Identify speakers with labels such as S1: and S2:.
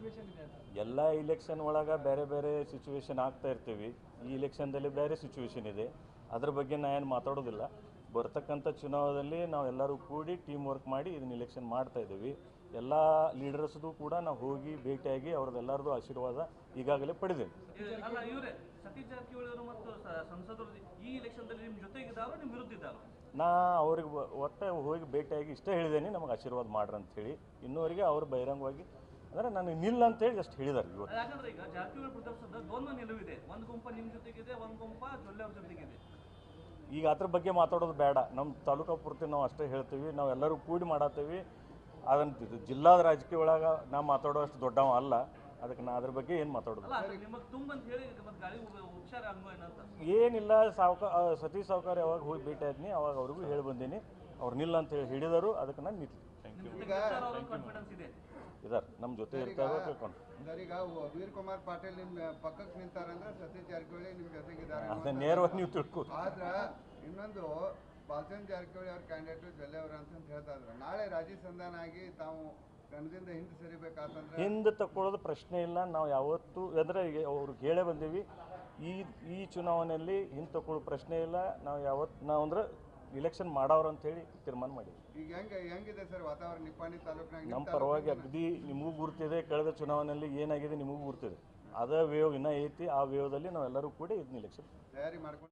S1: Situation ಇದೆ ಅಂತ.
S2: ಎಲ್ಲ ಇಲೆಕ್ಷನ್ ಒಳಗೆ ಬೇರೆ ಬೇರೆ ಸಿಚುವೇಶನ್ ಆಗ್ತಾ ಇರ್ತೀವಿ. ಈ ಇಲೆಕ್ಷನ್ದಲ್ಲಿ ಬೇರೆ ಸಿಚುವೇಶನ್ ಇದೆ, ಅದ್ರ ಬಗ್ಗೆ ನಾನು ಏನು ಮಾತಾಡೋದಿಲ್ಲ. ಬರ್ತಕ್ಕಂಥ ಚುನಾವಣೆಯಲ್ಲಿ ನಾವೆಲ್ಲರೂ ಕೂಡಿ ಟೀಮ್ ವರ್ಕ್ ಮಾಡಿ ಇದನ್ನ ಇಲೆಕ್ಷನ್ ಮಾಡ್ತಾ ಇದ್ದೀವಿ. ಎಲ್ಲ ಲೀಡರ್ಸ್ದು ಕೂಡ ನಾವು ಹೋಗಿ ಭೇಟಿಯಾಗಿ ಅವ್ರದ್ದೆಲ್ಲರದು ಆಶೀರ್ವಾದ ಈಗಾಗಲೇ ಪಡೆದೇವೆ.
S3: ಅಲ್ಲ ಇವರೇ ಸತೀಶ್ ಜಾರಕಿಹೊಳಿ ಅವರು ಮತ್ತು ಸಂಸದರು ಈ ಇಲೆಕ್ಷನ್ದಲ್ಲಿ ನಿಮ್ಮ ಜೊತೆಗಿದ್ದಾರೋ ನಿಮ್ಮ ವಿರುದ್ಧ ಇದ್ದಾರೋ?
S2: ನಾ ಅವ್ರಿಗೆ ಒಟ್ಟು ಹೋಗಿ ಭೇಟಿಯಾಗಿ ಇಷ್ಟೇ ಹೇಳಿದ್ದೇನೆ, ನಮಗೆ ಆಶೀರ್ವಾದ ಮಾಡ್ರಿ ಅಂತ ಹೇಳಿ. ಇನ್ನೂವರೆಗೆ ಅವರು ಬಹಿರಂಗವಾಗಿ ಅಂದರೆ ನನಗೆ ನಿಲ್ಲ ಅಂತೇಳಿ ಅಷ್ಟು ಹೇಳಿದ್ದಾರೆ ಇವತ್ತು.
S3: ಯಾಕಂದ್ರೆ ಈಗ ಜಾರಕಿಹೊಳಿ ಪ್ರದರ್ಶನದ ದ್ವಂದ್ವ ನಿಲುವಿದೆ, ಒಂದು ಗುಂಪ ನಿಮ್ಮ ಜೊತೆಗಿದೆ, ಒಂದು ಗುಂಪ ಜೊಲ್ಲೆ ಅವ್ರ ಜೊತೆಗಿದೆ.
S2: ಈಗ ಅದ್ರ ಬಗ್ಗೆ ಮಾತಾಡೋದು ಬೇಡ. ನಮ್ಮ ತಾಲೂಕು ಪೂರ್ತಿ ನಾವು ಅಷ್ಟೇ ಹೇಳ್ತೀವಿ, ನಾವೆಲ್ಲರೂ ಕೂಡಿ ಮಾಡತ್ತೀವಿ. ಅದನ್ನು ಜಿಲ್ಲಾದ ರಾಜಕೀಯ ಒಳಗೆ ನಾವು ಮಾತಾಡೋಷ್ಟು ದೊಡ್ಡವ ಅಲ್ಲ, ಅದಕ್ಕೆ ನಾ ಅದ್ರ ಬಗ್ಗೆ ಏನು ಮಾತಾಡೋದು
S3: ನಿಮಗೆ ತುಂಬಂತ ಹೇಳಿ ಮತ್ತೆ ಗಾಳಿ ಹುಷಾರ ಅನ್ಭವ
S2: ಏನಿಲ್ಲ. ಸತೀಶ್ ಸಾವ್ಕಾರ ಯಾವಾಗ ಹೋಗಿ ಭೇಟಿ ಆದ್ನಿ ಅವಾಗ ಅವ್ರಿಗೂ ಹೇಳಿ ಬಂದೀನಿ. ಅವ್ರು ನಿಲ್ಲ ಅಂತ ಹೇಳಿ ಹಿಡಿದರು, ಅದಕ್ಕೆ ನಾನು ನಿಂತು. Thank you.
S3: ಕಾನ್ಫಿಡೆನ್ಸ್ ಇದೆ
S2: ಇದಾರೆ ನಮ್ಮ ಜೊತೆ ಇರ್ತಾರೋ ತಿಳ್ಕೊಂಡು.
S4: ಸರ್, ಈಗ ವೀರ್ ಕುಮಾರ್ ಪಾಟೀಲ್ ನಿಮ್ಮ ಪಕ್ಕಕ್ಕೆ ನಿಂತಾರಂದ್ರೆ ಸತೀಶ್ ಜಾರಕಿಹೊಳಿ ನಿಮ್ಮ ಜೊತೆಗಿದ್ದಾರೆ
S2: ಅದನ್ನ ನೇರವಾಗಿ ನೀವು ತಿಳ್ಕೊ.
S4: ಆದ್ರೆ ಇನ್ನೊಂದು ಬಾಲಚಂದ್ರ ಜಾರಕಿಹೊಳಿ ಅವ್ರ ಕ್ಯಾಂಡಿಡೇಟ್ ಜೊಲ್ಲೆ ಅವರು ಅಂತ ಹೇಳ್ತಾ ಇದ್ರು. ನಾಳೆ ರಾಜಿ ಸಂಧಾನ ಆಗಿ ತಾವು ಕಣದಿಂದ ಹಿಂದೆ ಸರಿಬೇಕಾತಂದ್ರೆ
S2: ಹಿಂದೆ ತಗೊಳ್ಳೋದು ಪ್ರಶ್ನೆ ಇಲ್ಲ. ನಾವು ಯಾವತ್ತೂ ಅಂದರೆ ಅವ್ರಿಗೆ ಹೇಳೇ ಬಂದೀವಿ, ಈ ಚುನಾವಣೆಯಲ್ಲಿ ಹಿಂದೆ ತಗೊಳ್ಳೋ ಪ್ರಶ್ನೆ ಇಲ್ಲ. ನಾವು ಅಂದ್ರೆ ಇಲೆಕ್ಷನ್ ಮಾಡೋರು ಅಂತೇಳಿ ತೀರ್ಮಾನ ಮಾಡಿದ್ವಿ.
S4: ಈಗ ಹೆಂಗಿದೆ ಸರ್ ವಾತಾವರಣ ನಿಪ್ಪಾಣಿ ತಾಲೂಕಿನಾಗ?
S2: ನಮ್ಮ ಪರವಾಗಿ ಅಗದಿ ನಿಮಗೂ ಗುರ್ತಿದೆ, ಕಳೆದ ಚುನಾವಣೆಯಲ್ಲಿ ಏನಾಗಿದೆ ನಿಮಗೂ ಗುರ್ತಿದೆ. ಅದೇ ವೇವ್ ಇನ್ನೂ ಐತಿ. ಆ ವೇವ್ದಲ್ಲಿ ನಾವೆಲ್ಲರೂ ಕೂಡ ಇದನ್ನ ಇಲೆಕ್ಷನ್
S4: ತಯಾರಿ ಮಾಡ್ಕೊಂಡು